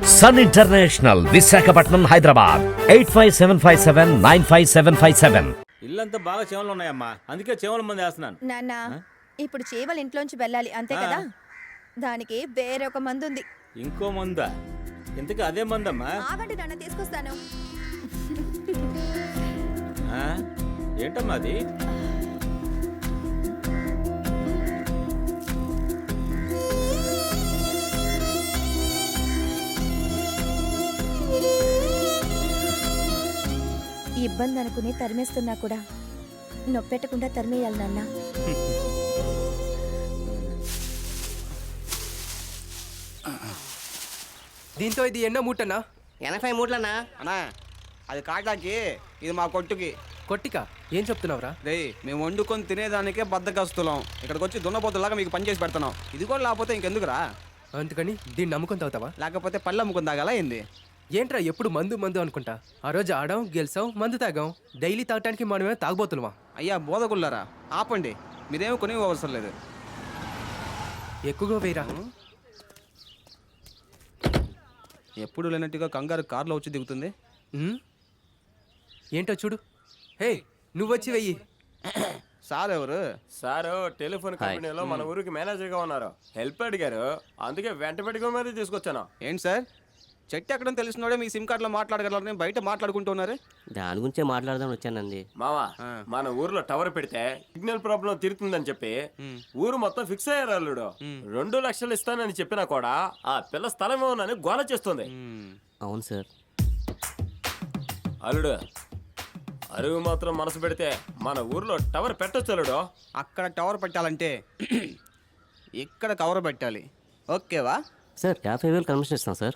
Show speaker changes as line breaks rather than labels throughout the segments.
Sun international, Visakhapatnam, Hyderabad. 8575795757.
ఇల్లంతా బాగా చేమలు ఉన్నాయమ్మా, అందుకే చేమల మంది వేస్తున్నాను.
నాన్న, ఇప్పుడు చీమలు ఇంట్లోంచి వెళ్ళాలి అంతే కదా, దానికి వేరే ఒక మందు ఉంది.
ఇంకో మందా? ఇంతకీ అదే మందమ్మా?
ఆగండి నాన్న, తీసుకొస్తాను.
ఏంటమ్మా అది?
ఇబ్బంది అనుకుని తరిమేస్తున్నా కూడా నొప్పెట్టకుండా తరిమేయాలి నాన్న.
దీంతో ఇది ఎన్నో మూటనా?
80 మూట్లనా
అన్నా? అది కాటాకి, ఇది మా కొట్టుకి.
కొట్టిక ఏం చెప్తున్నావురా?
రే, మేము వండుకొని తినేదానికే బద్దకస్తులం. ఇక్కడికి వచ్చి దున్నపోతులాగా మీకు పని చేసి పెడుతున్నాం. ఇది కూడా లేకపోతే ఇంకెందుకురా?
అందుకని దీన్ని నమ్ముకొని తాగుతావా?
లేకపోతే పళ్ళు అమ్ముకుని తాగాల ఏంది?
ఏంట్రా ఎప్పుడు మందు మందు అనుకుంటా? ఆ రోజు ఆడాం, గెలిచాం, మందు తాగాం. డైలీ తాగటానికి మనమే తాగబోతున్నావా?
అయ్యా బోధకుళ్ళారా, ఆపండి. మీరేమో కొని అవసరం లేదు.
ఎక్కువగా వేయరా.
ఎప్పుడు లేనట్టుగా కంగారు కారులో వచ్చి దిగుతుంది.
ఏంటో చూడు. హే, నువ్వు వచ్చి వెయ్యి.
సార్ ఎవరు?
సారు టెలిఫోన్ కంపెనీలో మన ఊరికి మేనేజర్గా ఉన్నారు. హెల్ప్ అడిగారు, అందుకే వెంట పెట్టుకుని మరీ తీసుకొచ్చాను.
ఏంటి సార్, చెట్టు ఎక్కడం తెలిసినోడే మీ సిమ్ కార్డులో మాట్లాడగలరని బయట మాట్లాడుకుంటున్నారు.
దాని గురించే మాట్లాడదామని వచ్చానండి.
మావా, మన ఊర్లో టవర్ పెడితే సిగ్నల్ ప్రాబ్లం తీరుతుందని చెప్పి ఊరు మొత్తం ఫిక్స్ అయ్యారు. అల్లుడు 2 లక్షలు ఇస్తానని చెప్పినా కూడా ఆ పిల్ల స్థలం ఏమోనని గోల చేస్తుంది.
అవును సార్.
అల్లుడు, అరువు మాత్రం మనసు పెడితే మన ఊర్లో టవర్ పెట్టొచ్చు అల్లుడు.
అక్కడ టవర్ పెట్టాలంటే ఇక్కడ కవర్ పెట్టాలి. ఓకేవా
సార్? 50,000 కమిషన్ ఇస్తాం సార్.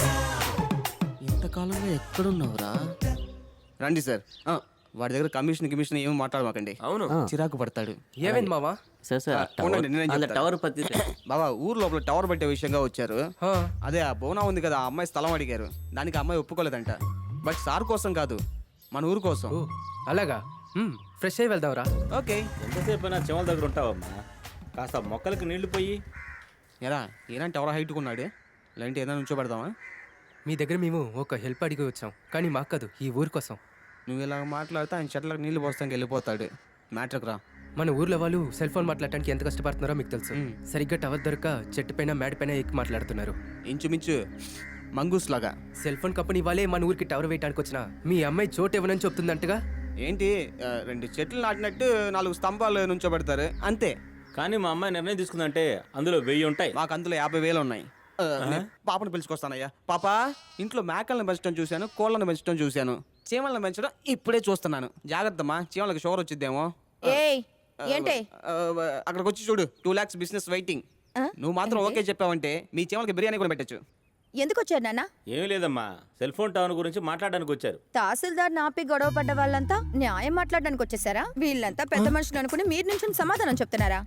ఇంతకాలంగా ఎక్కడున్నావురా? రండి సార్. వాడి దగ్గర కమిషన్ ఏమి మాట్లాడమాకండి.
అవును,
చిరాకు పడతాడు.
ఏమైంది మావా?
సార్ టవర్ పత్తి
బాబా, ఊరు లోపల టవర్ పెట్టే విషయంగా వచ్చారు. అదే ఆ బోనా ఉంది కదా, ఆ అమ్మాయి స్థలం అడిగారు. దానికి ఆ అమ్మాయి ఒప్పుకోలేదంట. బట్ సార్ కోసం కాదు, మన ఊరు కోసం.
అలాగా, ఫ్రెష్ అయ్యి వెళ్దాంరా.
ఓకే.
ఎంతసేపు అయినా చెమల దగ్గర ఉంటావమ్మా, కాస్త మొక్కలకి నీళ్లు పోయి.
ఎలా ఏనంటే ఎవరో హైట్కున్నాడు, లేదంటే ఏదైనా నుంచోబెడదామా?
మీ దగ్గర మేము ఒక హెల్ప్ అడిగి వచ్చాం, కానీ మాకు కాదు, ఈ ఊరి కోసం.
నువ్వు ఇలా మాట్లాడితే ఆయన చెట్లకు నీళ్లు పోస్తానికి వెళ్ళిపోతాడు. మ్యాటర్కి రా.
మన ఊర్లో వాళ్ళు సెల్ ఫోన్ మాట్లాడటానికి ఎంత కష్టపడుతున్నారో మీకు తెలుసు. సరిగ్గా టవర్ దొరక చెట్టు పైన మేడ పైన ఎక్కి మాట్లాడుతున్నారు.
ఇంచుమించు మంగూస్ లాగా.
సెల్ ఫోన్ కంపెనీ వాళ్ళే మన ఊరికి టవర్ వేయడానికి వచ్చిన మీ అమ్మాయి చోటు ఇవ్వనని చెప్తుందంటగా.
ఏంటి, 2 చెట్లు నాటినట్టు 4 స్తంభాలు నుంచోబెడతారు అంతే.
కానీ మా అమ్మాయి నిర్ణయం తీసుకుందంటే అందులో 1000 ఉంటాయి.
మాకు అందులో 50,000 ఉన్నాయి. పాపను పిలుచుకొస్తానయ్యా. పాప, ఇంట్లో మేకలను పెంచడం చూశాను, కోళ్ళను పెంచడం చూశాను, చీమలను పెంచడం ఇప్పుడే చూస్తున్నాను. జాగ్రత్తమ్మా, చీమలకు షుగర్ వచ్చిద్దేమో.
ఏంటి
అక్కడికి వచ్చి చూడు, 2 lakhs బిజినెస్ వెయిటింగ్. నువ్వు మాత్రం ఓకే చెప్పావంటే మీ చీమలకి బిర్యానీ కూడా పెట్టచ్చు.
ఎందుకు వచ్చారు నాన్న?
ఏమీ లేదమ్మా, సెల్ ఫోన్ టవర్ గురించి మాట్లాడడానికి వచ్చారు.
తహసీల్దార్ నాపి గొడవ పడ్డ వాళ్ళంతా న్యాయం మాట్లాడడానికి వచ్చేసారా? వీళ్ళంతా పెద్ద మనుషులు అనుకుని మీరు నుంచి సమాధానం చెప్తున్నారా?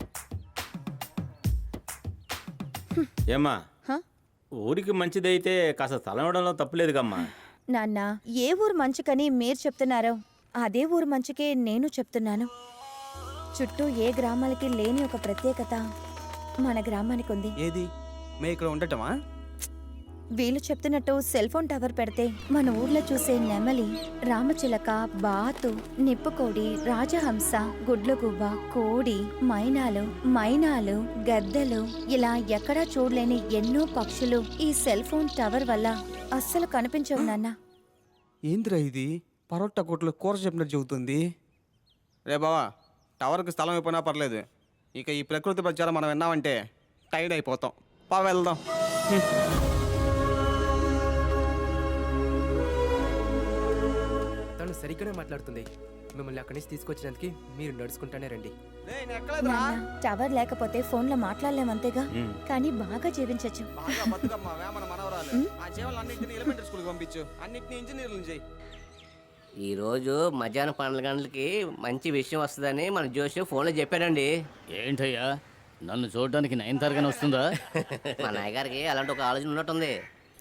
ఏమ్మా, ఊరికి మంచిదైతే కాస్త స్థలం ఇవ్వడంలో తప్పులేదుగమ్మా.
నాన్న, ఏ ఊరు మంచికని మీరు చెప్తున్నారో అదే ఊరు మంచికే నేను చెప్తున్నాను. చుట్టూ ఏ గ్రామాలకి లేని ఒక ప్రత్యేకత మన గ్రామానికి ఉంది.
ఏది? మేము ఇక్కడ ఉండటమా?
వీళ్ళు చెప్తున్నట్టు సెల్ ఫోన్ టవర్ పెడితే మన ఊర్లో చూసే నెమలి, రామచిలక, బాతు, నిప్పుకోడి, రాజహంస, గుడ్లగువ్వ, కోడి, మైనాలు, గద్దలు, ఇలా ఎక్కడా చూడలేని ఎన్నో పక్షులు ఈ సెల్ ఫోన్ టవర్ వల్ల అస్సలు కనిపించవు నాన్న.
ఏంద్రా ఇది? పరోటా కొట్లు కూర చెప్పినట్టు చెబుతుంది. రే బావా, టవర్కి స్థలం అయిపోయినా పర్లేదు, ఇక ఈ ప్రకృతి ప్రచారం మనం విన్నామంటే టైర్డ్ అయిపోతాం. వెళ్దాం.
తను సరిగ్గానే మాట్లాడుతుంది. మిమ్మల్ని అక్కడి నుంచి తీసుకొచ్చినందుకు మీరు నడుచుకుంటానే రండి.
టవర్ లేకపోతే ఫోన్ లో మాట్లాడలేమంతేగా, కానీ బాగా జీవించచ్చు.
ఈరోజు మధ్యాహ్నం 12 గంటలకి మంచి విషయం వస్తుందని మన జోష్ ఫోన్లో చెప్పాడండి.
ఏంటయ్యా, నన్ను చూడడానికి 9 తరగతి వస్తుందా?
మా నాయగారికి అలాంటి ఒక ఆలోచన ఉన్నట్టుంది.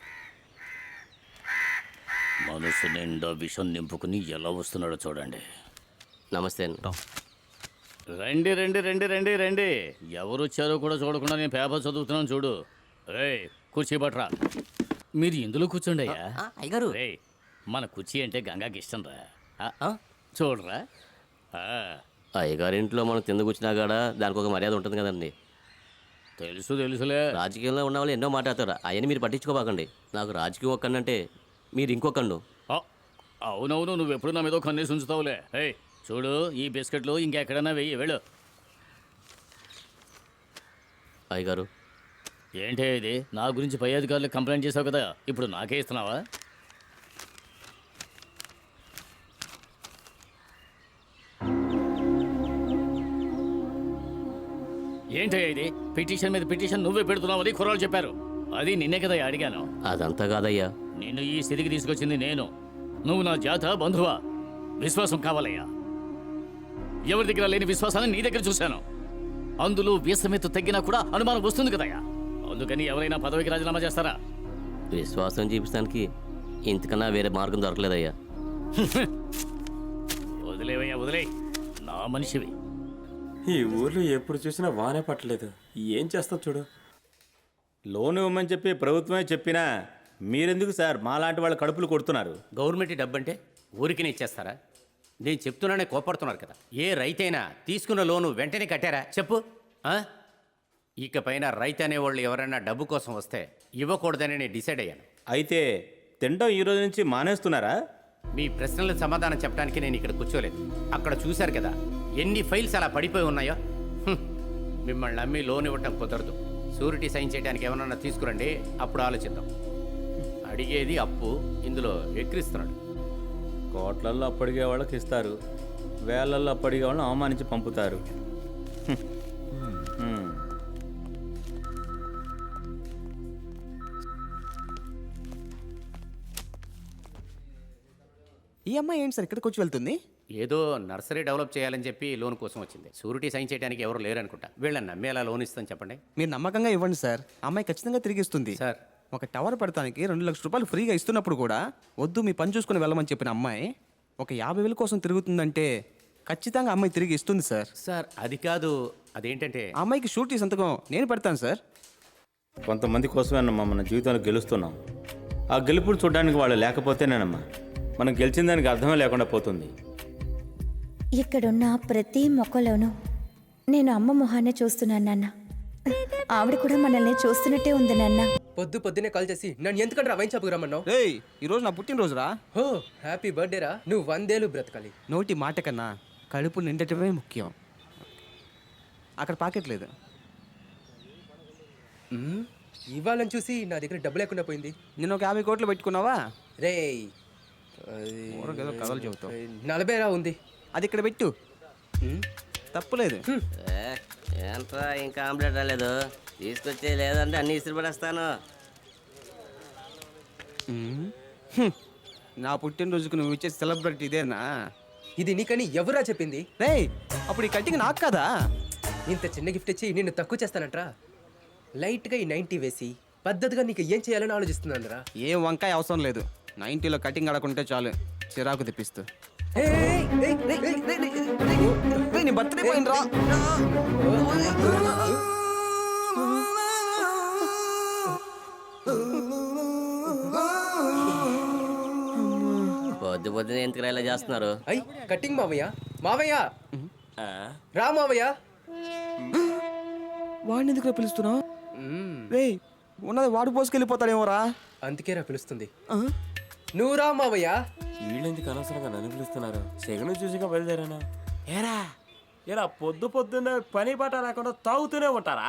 మనసు నిండా విషం నింపుకుని ఎలా వస్తున్నాడో చూడండి.
నమస్తే అండి.
రండి రండి రండి రండి రండి. ఎవరు వచ్చారో కూడా చూడకుండా నేను పేపర్ చదువుతున్నాను చూడు. రే, కుర్చీ పట్రా. మీరు ఇందులో కూర్చోండి అయ్యా
అయ్యగారు
రేయ్, మన కుర్చీ అంటే గంగాకి ఇష్టం రా చూడరా ఆ,
అయ్యగారింట్లో మనం తిందు కూర్చున్నా కూడా దానికి ఒక మర్యాద ఉంటుంది కదండి.
తెలుసులే
రాజకీయంలో ఉన్న వాళ్ళు ఎన్నో మాట్లాడతారు, అవన్నీ మీరు పట్టించుకోబాకండి. నాకు రాజకీయం ఒక్కడంటే మీరు ఇంకొకండు.
ఆ, అవునవును, నువ్వెప్పుడు నా మీద కన్నేసి ఉంచుతావులే. ఏయ్ చూడు, ఈ బిస్కెట్లు ఇంకెక్కడన్నా వెయ్యి వెళ్ళు.
అయ్యగారు
ఏంటే ఇది? నా గురించి పై అధికారులకు కంప్లైంట్ చేసావు కదా, ఇప్పుడు నాకే ఇస్తున్నావా? ఏంటే ఇది? పిటిషన్ మీద పిటిషన్ నువ్వే పెడుతున్నావని కుర్రాళ్ళు చెప్పారు. అది నిన్నే కదా అడిగాను.
అదంతా కాదయ్యా.
నిన్ను ఈ స్థితికి తీసుకొచ్చింది నేను. నువ్వు నా జాత బంధువా? విశ్వాసం కావాలయ్యా. ఎవరి దగ్గర లేని విశ్వాసాన్ని నీ దగ్గర చూశాను. అందులో వీసమెత్తు తగ్గినా కూడా అనుమానం వస్తుంది కదయ్యా. అందుకని ఎవరైనా పదవికి రాజీనామా చేస్తారా?
విశ్వాసం చూపించడానికి ఇంతకన్నా వేరే మార్గం దొరకలేదయ్యా.
వదిలేవయ్యా, వదిలే. నా మనిషివి.
ఈ ఊర్లో ఎప్పుడు చూసినా వానే పట్టలేదు. ఏం చేస్తావు చూడు.
లోన్ ఇవ్వమని చెప్పి ప్రభుత్వమే చెప్పినా మీరెందుకు సార్ మాలాంటి వాళ్ళ కడుపులు కొడుతున్నారు?
గవర్నమెంట్ డబ్బు అంటే ఊరికినే ఇచ్చేస్తారా? నేను చెప్తున్నానే కోపడుతున్నారు కదా. ఏ రైతైనా తీసుకున్న లోను వెంటనే కట్టారా చెప్పు. ఆ? ఇకపైన రైతు అనేవాళ్ళు ఎవరైనా డబ్బు కోసం వస్తే ఇవ్వకూడదని నేను డిసైడ్ అయ్యాను.
అయితే తినడం ఈ రోజు నుంచి మానేస్తున్నారా?
మీ ప్రశ్నలకు సమాధానం చెప్పడానికి నేను ఇక్కడ కూర్చోలేదు. అక్కడ చూశారు కదా ఎన్ని ఫైల్స్ అలా పడిపోయి ఉన్నాయో. మిమ్మల్ని నమ్మి లోన్ ఇవ్వటం కుదరదు. షూరిటీ సైన్ చేయడానికి ఏమన్నా తీసుకురండి, అప్పుడు ఆలోచిద్దాం. అడిగేది అప్పు, ఇందులో ఎక్కిరిస్తున్నాడు.
కోట్లల్లో అప్పడిగే వాళ్ళకి ఇస్తారు, వేలల్లో అప్పడిగే వాళ్ళని అవమానించి పంపుతారు. హ్మ్.
ఈ అమ్మాయి ఏంటి సార్ ఇక్కడికి వచ్చి వెళ్తుంది?
ఏదో నర్సరీ డెవలప్ చేయాలని చెప్పి లోన్ కోసం వచ్చింది. షూరిటీ సైన్ చేయడానికి ఎవరు లేరనుకుంటా. వీళ్ళని నమ్మి ఎలా లోన్ ఇస్తాను చెప్పండి.
మీరు నమ్మకంగా ఇవ్వండి సార్, అమ్మాయి ఖచ్చితంగా తిరిగి ఇస్తుంది.
సార్
ఒక టవర్ పెడతానికి 2 లక్షల రూపాయలు ఫ్రీగా ఇస్తున్నప్పుడు కూడా వద్దు మీ పని చూసుకుని వెళ్ళమని చెప్పిన అమ్మాయి ఒక 50,000 కోసం తిరుగుతుందంటే ఖచ్చితంగా అమ్మాయి తిరిగి ఇస్తుంది సార్.
సార్ అది కాదు, అదేంటంటే
ఆ అమ్మాయికి షూరిటీ సంతకం నేను పెడతాను సార్.
కొంతమంది కోసమేనమ్మా మన జీవితంలో గెలుస్తున్నాం. ఆ గెలుపులు చూడడానికి వాళ్ళు లేకపోతేనేనమ్మా మనం గెలిచిన దానికి అర్థమే లేకుండా పోతుంది.
ఇక్కడున్న ప్రతి మొక్కలోనూ నేను అమ్మ మొహాన్నే చూస్తున్నాను నాన్న. ఆవిడ కూడా మనల్ని చూస్తున్నట్టే ఉంది నాన్న.
పొద్దునే కాల్ చేసి నన్ను ఎందుకంటే వైన్ షాప్కి రమ్మన్నావు?
రేయ్ ఈరోజు నా పుట్టినరోజురా.
హో హ్యాపీ బర్త్డే రా. నువ్వు 100 ఏళ్ళు బ్రతకాలి.
నోటి మాట కన్నా కడుపు నిండటమే ముఖ్యం. అక్కడ పాకెట్ లేదు.
ఇవ్వాలని చూసి నా దగ్గర డబ్బు లేకుండా పోయింది.
నేను ఒక 50 కోట్లు పెట్టుకున్నావా?
రేయ్
ఊరకేదో కథలు చెబుతావు.
40 రా ఉంది.
అది ఇక్కడ పెట్టు, తప్పులేదు.
ఏంట్రా ఇంకా ఆమ్లెట్ రాలేదు? తీసుకొచ్చే లేదంటే అన్ని ఇస్త్రీ పడేస్తాను.
నా పుట్టినరోజుకు నువ్వు ఇచ్చే సెలబ్రిటీ ఇదేనా?
ఇది నీకని ఎవరా చెప్పింది?
రేయ్ అప్పుడు ఈ కట్టింగ్ నాకు కదా.
ఇంత చిన్న గిఫ్ట్ ఇచ్చి నిన్ను తక్కువ చేస్తానంట్రా. లైట్గా ఈ 90 వేసి పద్ధతిగా నీకు ఏం చేయాలని ఆలోచిస్తున్నాను రా.
ఏం వంకాయ అవసరం లేదు, 90లో కటింగ్ ఆడకుంటే చాలు చిరాకు తెప్పిస్తూ. నీ బర్త్డే పోయిండ్రా.
పొద్దునే ఎందుకు ఇలా చేస్తున్నారు?
అయ్ కటింగ్ మావయ్య. మావయ్య రా మావయ్య.
వాడిని ఎందుకు పిలుస్తున్నావు? రేయ్ ఉన్నది వాడు పోసుకెళ్ళిపోతాడేమోరా.
అందుకే రా పిలుస్తుంది. నువ్వు రా మావయ్య.
వీళ్ళెందుకు అనవసరంగా నన్ను పిలుస్తున్నారు? సెగను చూసిగా బయలుదేరాను. ఏరా ఇలా పొద్దున్న పని పాట లేకుండా తాగుతూనే ఉంటారా?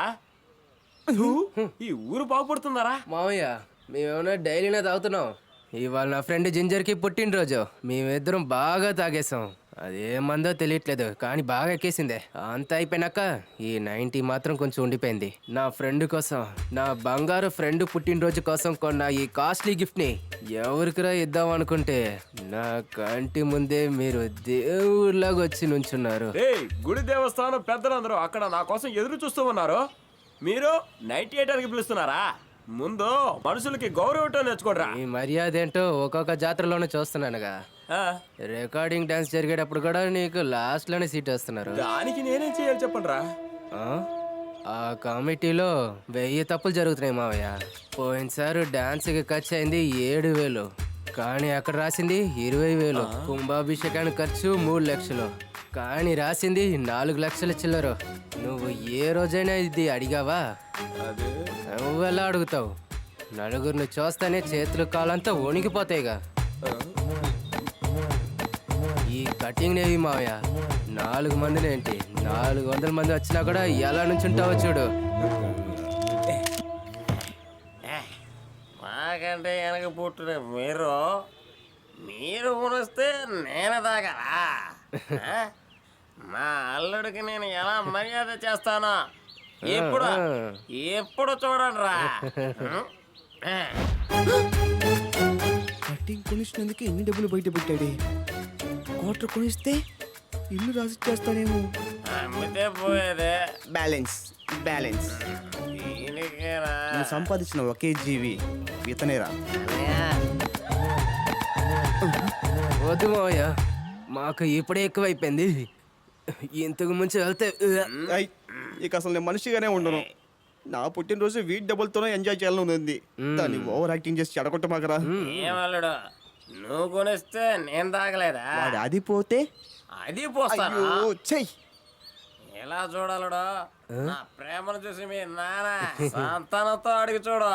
ఈ ఊరు బాగుపడుతుందారా?
మావయ్య మేమేమన్నా డైలీనే తాగుతున్నాం. ఇవాళ నా ఫ్రెండ్ జింజర్కి పుట్టినరోజు. మేమిద్దరం బాగా తాగేసాం. అదేమందో తెలియట్లేదు కానీ బాగా ఎక్కేసిందే. అంతా అయిపోయినాక ఈ 90 మాత్రం కొంచెం ఉండిపోయింది. నా ఫ్రెండ్ కోసం, నా బంగారు ఫ్రెండ్ పుట్టినరోజు కోసం కొన్న ఈ కాస్ట్లీ గిఫ్ట్ని ఎవరికిరా ఇద్దాం అనుకుంటే నా కంటి ముందే మీరు దేవుళ్ళగా వచ్చి నుంచున్నారు.
ఏయ్ గుడి దేవస్థానం పెద్దలందరూ అక్కడ నా కోసం ఎదురు చూస్తూ ఉన్నారు. మీరు 98 పిలుస్తున్నారా? ముందు మనుషులకి గౌరవం నేర్చుకోడరా.
ఈ మర్యాద ఏంటో ఒక్కొక్క జాతరలోనే చూస్తున్నానుగా. రికార్డింగ్ డాన్స్ జరిగేటప్పుడు కూడా నీకు లాస్ట్ లోనే సీట్ వస్తున్నారు.
దానికి నేనేం చేయాలి చెప్పండి రా.
ఆ కమిటీలో 1000 తప్పులు జరుగుతున్నాయి మావయ్య. పోయినసారి డాన్స్కి ఖర్చు అయింది 7000, కానీ అక్కడ రాసింది 20000. కుంభాభిషేకానికి ఖర్చు 3 లక్షలు, కానీ రాసింది 4 లక్షల చిల్లరు. నువ్వు ఏ రోజైనా ఇది అడిగావా? నువ్వెలా అడుగుతావు? నలుగురిని చూస్తానే చేతులు కాలంతా వణికిపోతాయిగా. ఈ కటింగ్ నేవి మావయ్య 4 మందినేంటి 400 మంది వచ్చినా కూడా ఎలా నుంచి ఉంటావో చూడు.
మాకంటే వెనక పుట్టిన మీరు కొనిస్తే నేను తాగరా? ఆ? మా అల్లుడికి నేను ఎలా మర్యాద చేస్తానో ఎప్పుడు చూడండి రా.
కటింగ్ కొనిచ్చినందుకు ఎన్ని డబ్బులు బయట పెట్టాడే. క్వార్టర్ కొనిస్తే ఇల్లు రాసి చేస్తానేమో.
అమ్మితే పోయేదే
బ్యాలెన్స్ బ్యాలెన్స్.
దీనికేనా?
నువ్వు సంపాదించిన ఒకే జీవి ఇతనేరా.
వద్దు మావయ్య, మాకు ఇప్పుడే ఎక్కువైపోయింది. ఇంతకు ముందు వెళ్తే
ఐ, ఇక అసలు నేను మనిషిగానే ఉండను. నా పుట్టినరోజు వీటి డబ్బులతోనే ఎంజాయ్ చేయాలని ఉంది. దాన్ని ఓవర్ యాక్టింగ్ చేసి చెడగొట్టమాకరా.
ఏమల్లుడు, నువ్వు కొనిస్తే నేను తాగలేదా?
వాడు అది పోతే
అది పోస్తాను.
అయ్యో, చెయ్.
ఎలా చూడాలడో నా ప్రేమను చూసి మీ నాన్న సంతానంతో అడిగి చూడు.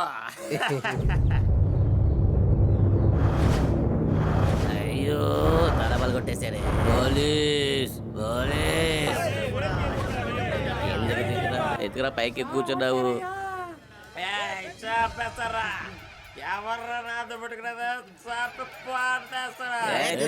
అయ్యో తలబలు కొట్టేశారే. పోలీస్ పోలీస్ ఎత్తుకురా పైకి కూర్చున్నావు.
చాపేస్తారా? ఎవర్రా నాతో పెట్టుకున్నదా? చాపి పాడేస్తారా?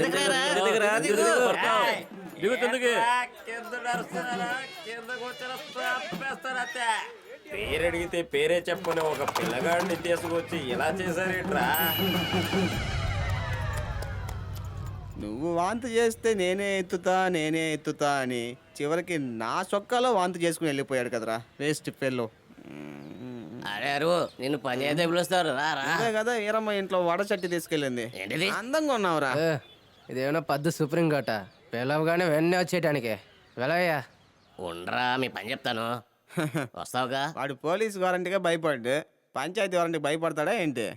కింద నడుస్తున్నారా? కిందకు వచ్చిన చాపేస్తారా? పేరు అడిగితే పేరే చెప్పుకుని ఒక పిల్లగాడిని తీసుకొచ్చి ఇలా చేశారేట్రా?
నువ్వు వాంతి చేస్తే నేనే ఎత్తుతా అని చివరికి నా చొక్కాలో వాంతి చేసుకుని వెళ్ళిపోయాడు కదరా వేస్ట్ ఫెల్లో.
అరే అరువు నిన్ను పని అయితే పిలుస్తారు రా రా.
అదే కదా ఈరమ్మ ఇంట్లో వడ చట్టి తీసుకెళ్ళింది.
ఏంటిది?
అందంగా ఉన్నావురా.
ఇదేమన్నా పద్దు సుప్రీం కోట, పిలవగానే వెన్నే వచ్చేయటానికి. వెళ్ళయ్యా.
ఉండరా మీ పని చెప్తాను, వస్తావుగా.
వాడు పోలీస్ వారంటీగా భయపడ్డు, పంచాయతీ వారంటీకి భయపడతాడా ఏంటి?